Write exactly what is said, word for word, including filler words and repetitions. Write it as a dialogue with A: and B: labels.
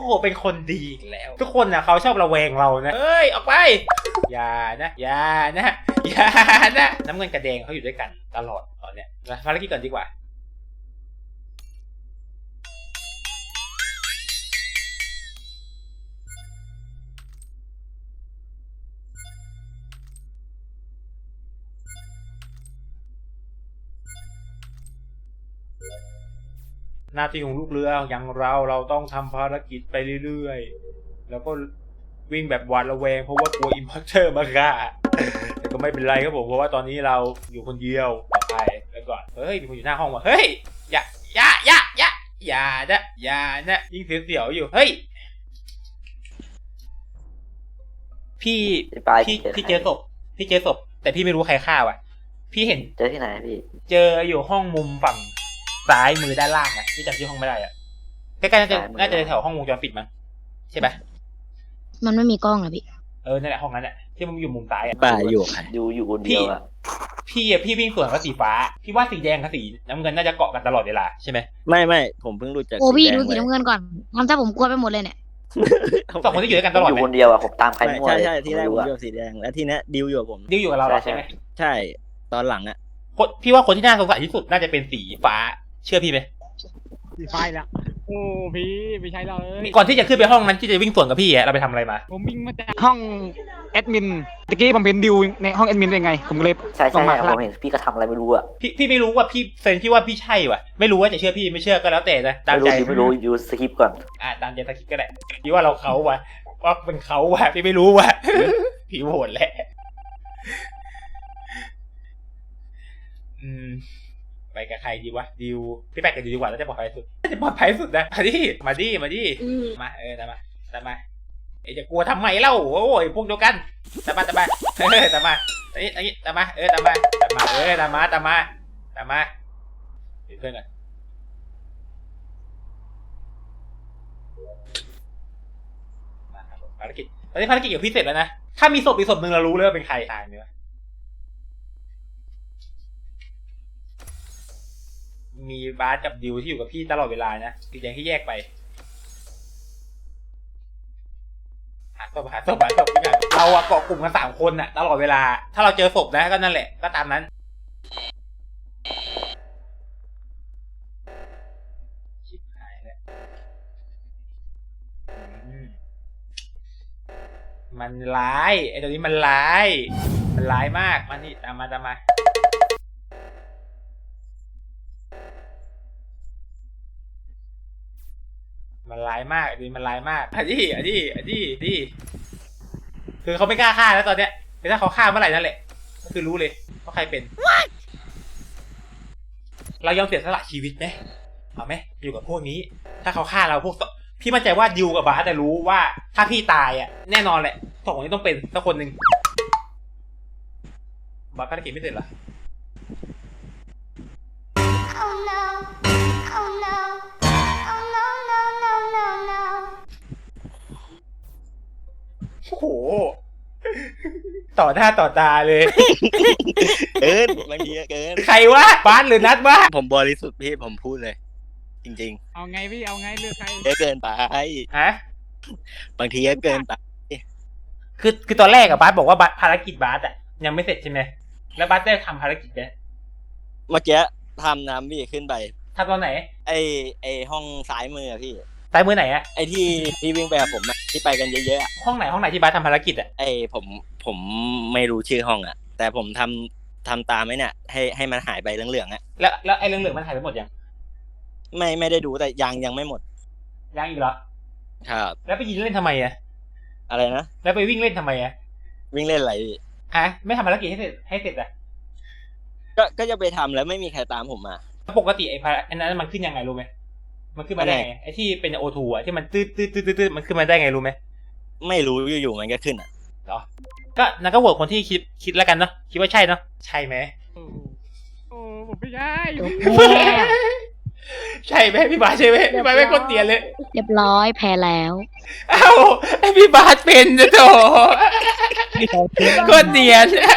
A: หเป็นคนดีอีกแล้วทุกคนนะเขาชอบระแวงเรานะเอ้ยออกไปอย่านะอย่านะอย่านะน้ำเงินกับแดงเขาอยู่ด้วยกันตลอดตอนเนี้ยนะภารกิจก่อนดีกว่าหน้าที่ของลูกเรืออย่างเราเราต้องทำภารกิจไปเรื่อยๆแล้วก็วิ่งแบบหวาดระแวงเพราะว่ากลัวอิมพัคเตอร์มาฆ่าแต่ก็ไม่เป็นไรครับผมเพราะว่าตอนนี้เราอยู่คนเดียวปลอดภัยแล้วก่อนเฮ้ยมีคนอยู่หน้าห้องว่ะเฮ้ยอย่าอย่าอย่าอย่าอย่านะอย่านะยิ่งเสียวๆอยู่เฮ้ยพี่พี่พี่เจอศพพี่เจอศพแต่พี่ไม่รู้ใครฆ่าว่ะพี่เห็น
B: เจอที่ไหนพี่
A: เจออยู่ห้องมุมฝั่งซ้ายมือด้านล่างอ่ะที่จำชื่อห้องไม่ได้อ่ะใกล้ๆน่าจะน่าจะแถวห้องวงจรปิดมั้งใช่ปะ
C: มันไม่มีกล้องนะพี่
A: เออนั่นแหละห้องนั้นแหละที่มันอยู่มุมซ้ายอ่ะ
D: ป่าอยู่
B: อยู่อยู่คนเดียวอ่ะ
A: พี่อ่ะพี่วิ่งสวนกับสีฟ้าพี่ว่าสีแดงกับสีน้ำเงินน่าจะเกาะกันตลอดเวลาใช่ไหม
D: ไม่ไม่ผมเพิ่งรู้จัก
C: โอ้พี่ดูสีน้ำเงินก่อนทำซะผมกลัวไปหมดเลยเนี่ย
A: สองคนที่อยู่ด้วยกันตลอด
B: อยู่คนเดียวอ่ะผมตามใครมั่ว
D: ใช่ใช่ที่แรกผมอยู่สีแดงแล้วทีนี้ดิวอยู่กับผม
A: ดิวอยู่กับเราใช่ไหม
D: ใช่ตอนหลังอ่ะ
A: พี่ว่าคนที่น่าสงสัยที่สุดน่าจะเป็นสีฟ้าเชื่อพี่ไหม
E: สีไฟละโอ้พี่ไม่ใช่เลย
A: ก่อนที่จะขึ้นไปห้องนั้นที่จะวิ่งสวนกับพี่อะเราไปทำอะไรมา
E: ผมวิ่งมาจากห้องแอดมินตะกี้ผมเป็นดิวในห้องแอดมินได้ไงผมเลย
B: ใช่ใช่ผมเห็นพี่ก็ทำอะไรไม่รู้อ่ะ
A: พี่พี่ไม่รู้ว่าพี่เซนพี่ว่าพี่ใช่ว่ะไม่รู้ว่าจะเชื่อพี่ไม่เชื่อก็แล้วแต่นะตามใจ
B: ไม่รู้ยูสคิปก่อน
A: อ่าตามใจสคิปก็ได้พี่ว่าเราเขาว่ะว่าเป็นเขาว่ะพี่ไม่รู้ว่ะพี่โหดแหละอืมไปกับใครดีวะดิวพี่ไปกับดิวดีกว่าแล้วจะปลอดภัยสุดจะปลอดภัยสุดนะมาดิมาดิมาดิมาเออตามมาตามมาเอ๊ะจะกลัวทำไมเล่าโอ้ยพวกเดียวกันตามมาตามมาเออตามมาไอ้ไอ้ตามมาเออตามมาตามมาเออตามมาตามมาตามมาเพื่อนกันมาภารกิจตอนนี้ภารกิจอยู่พิเศษแล้วนะถ้ามีศพอีกศพหนึ่งเรารู้เลยว่าเป็นใครตายเนื้อมีบาสกับดิวที่อยู่กับพี่ตลอดเวลานะสีแดงที่แยกไปหาศพหาศพหาศพด้วยกันเราอะเกาะกลุ่มกันสามคนอะตลอดเวลาถ้าเราเจอศพนะก็นั่นแหละก็ตามนั้นชิบหายแล้วมันร้ายไอ้ตัวนี้มันร้ายมันร้ายมากมานี่ตามมาตามมามันร้ายมากดิมันร้ายมากอ่ะดิอ่ะดิอ่ะดิดิคือเขาไม่กล้าฆ่าแล้วตอนเนี้ยแต่ถ้าเขาฆ่าเมื่อไหร่นั่นแหละก็คือรู้เลยว่าใครเป็น เรายอมเสียสละชีวิตไหมเอาไหมอยู่กับพวกนี้ถ้าเขาฆ่าเราพวกพี่มั่นใจว่าดิวกับบาสจะรู้ว่าถ้าพี่ตายอ่ะแน่นอนแหละสองคนนี้ต้องเป็นสักคนหนึ่งบาสภารกิจไม่เสร็จเหรอโอ้โหต่อหน้าต่อตาเลย
D: เกินบางทีเกิน
A: ใครวะบาสหรือนัทวะ
D: ผมบริสุทธิ์พี่ผมพูดเลยจริง
E: ๆเอาไงพี่เอาไงเลือกใคร
D: เยอะเกินไป
A: ฮะ
D: บางทีเยอะเกินไป
A: คือคือตอนแรกอะบาสบอกว่าภารกิจบาสอะยังไม่เสร็จใช่ไหมแล้วบาสได้ทำภารกิจไหม
D: เมื่อกี้ทำน้ำพี่ขึ้นไป
A: ทำตอนไหน
D: ไอไอห้องซ้ายมือพี่
A: ซ้ายมือไหนอะ
D: ไอที่ที่วิ่งไปกับผมอะที่ไปกันเยอะ
A: ๆห้องไหนห้องไหนที่บาสทำภารกิจอะ
D: ไอผมผมไม่รู้ชื่อห้องอะแต่ผมทำทำตามไอ้เนี่ยให้ให้มันหายไปเหลืองๆอะ
A: แล้วแล้วไอ้เหลืองๆมันหายไปหมดยัง
D: ไม่ไม่ได้ดูแต่ยังยังไม่หมด
A: ยังอีกเหรอ
D: ครับ
A: แล้วไปยิงเล่นทำไมอะ
D: อะไรนะ
A: แล้วไปวิ่งเล่นทำไมอะ
D: วิ่งเล่นอะไร
A: ฮะไม่ทำภารกิจให้เสร็จให้เสร็จอะ
D: ก็ก็จะไปทำแล้วไม่มีใครตามผมมา
A: ปกติไอ้อันนั้นมันขึ้นยังไงรู้ไหมมันขึ้นมาได้ไงไอ้ที่เป็นโอทูอะที่มันตืดตืดตืดตืดมันขึ้นมาได้ไงรู้ไหม
D: ไม่รู้อยู่ๆมันก็ขึ้นอ่ะ
A: เหรอก็นั่นก็โหวตคนที่คิดคิดแล้วกันเนาะคิดว่าใช่เนาะใช่ไหม
E: โอ้ผมไม่ใช่
A: ใช่ไหมพี่บาสใช่ไหมพี่บาสไม่คนเตียนเลย
C: เรียบร้อยแพ้แล้ว
A: เอ้าไอพี่บาสเป็นจะโถคนเตียน